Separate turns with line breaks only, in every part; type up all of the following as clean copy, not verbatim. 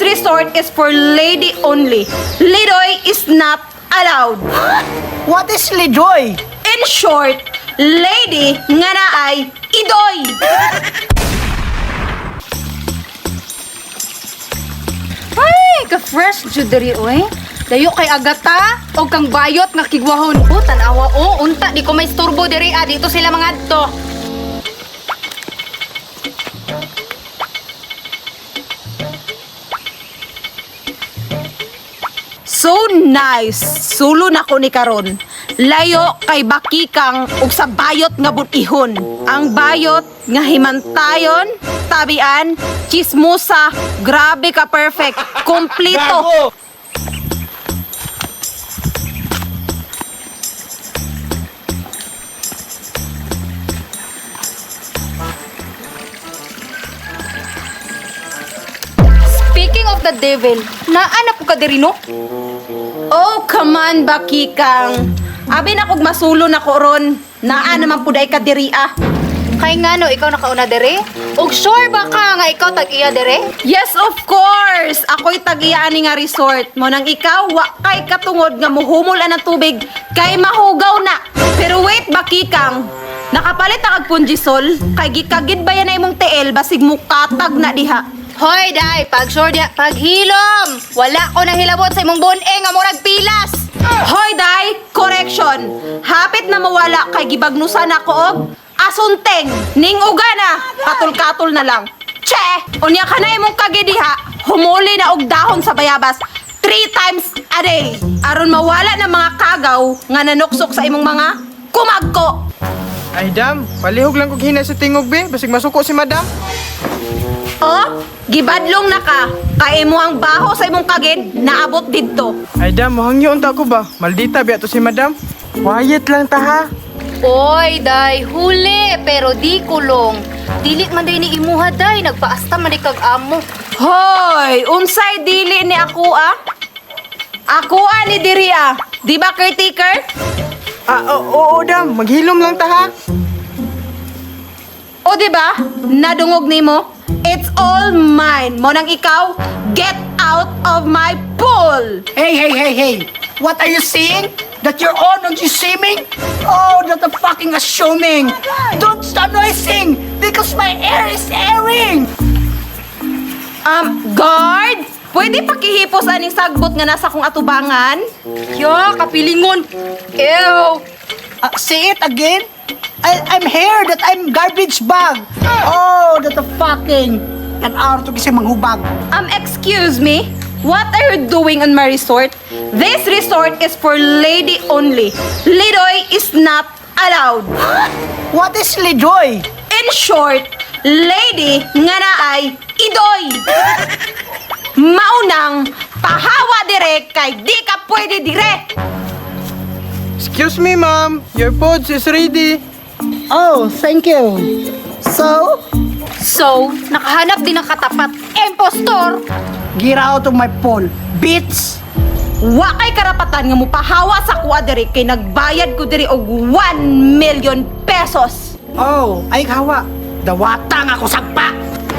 resort is for lady only. Lidoy is not allowed.
What is Lidoy?
In short, lady nga na ay idoy.
Ay, ka-fresh juderi oy. Dayo kay agata o kang bayot nga kigwahon. O, tanawa o, unta di ko may istorbo diri dito sila mga adto.
So nice. Sulo na ko ni karon. Layo kay bakikang ug sa bayot nga bunihon. Ang bayot nga himantayon, tabian, chismosa, grabe ka perfect. Kompleto.
Speaking of the devil, naana po ka diri no?
Oh, come on, bakikang. Abi na kog masulo na ko ron. Naa naman puday ka diri ah.
Kay ngano ikaw nakauna diri? Og sure ba ka nga ikaw tag-iya diri?
Yes, of course! Ako'y tag-iyaan ni nga resort. Mo nang ikaw, wa kay katungod nga muhumol ang tubig, kay mahugaw na. Pero wait, bakikang. Nakapalit ang agpunjisol, kay gikagid ba yan na imong TL, basig mukatag na diha.
Hoy, day, pag sure diha, paghilom! Wala ko nang hilabot sa imong bun nga murag pilas!
Hoy, day! Correction! Hapit na mawala kay gibagnusan ako og asunteng! Ning uga na! Katul-katul na lang. Che! Unya ka na imong kagidiha, humuli na og dahon sa bayabas 3 times a day. Aron mawala ng mga kagaw nga nanuksok sa imong mga kumagko.
Ay, dam, palihog lang kog hina sa tingog, be. Basig masuko si madam.
Oh, gibadlong na ka. Kay imo ang baho sa imong kagid, naabot didto.
Ay, dam, mahangyo unta ko ba? Maldita, biya to si madam. Quiet lang ta, ha?
Oy, day, huli, pero di kulong. Dilit man day ni imuha, day, nagpaasta man di kag amo.
Hoy, unsay dili ni ako ah? Ako ni diri ah. Di ba caretaker?
Oo, dam. Maghilom lang ta, ha?
O di ba? Nadungog nimo. It's all mine. Mo nang ikaw, get out of my pool.
Hey. What are you saying? That you're on and you swimming? Oh, that's a fucking assuming. Don't start noising because my air is airing.
Guard, pwede pakihipos aning sagbot nga nasa kong atubangan?
Yo, kapilingon. Ew.
Say it again. I'm here that I'm garbage bag. Oh, that's a fucking an hour to kasi manghubag.
Excuse me? What are you doing on my resort? This resort is for lady only. Lidoy is not allowed.
What is Lidoy?
In short, lady nga na ay idoy. Maunang pahawa dire kay di ka pwede dire.
Excuse me, ma'am. Your pods is ready.
Oh, thank you. So,
So, nakahanap din ng katapat. Impostor!
get out of my pool, bitch.
Wa kay karapatan nga mupahawa sa kuha dire kay nagbayad ko dire og 1 million pesos.
Oh, ay kawa. Dawatang ako sagpa.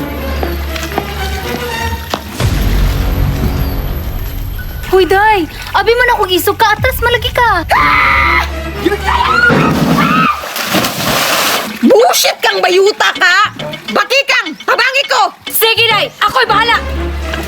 Huy, day! Abi man akong isog ka, atras malagi ka!
Bullshit kang bayuta ka! Bakikang, tabangi ko!
Sige, day! Ako'y bahala!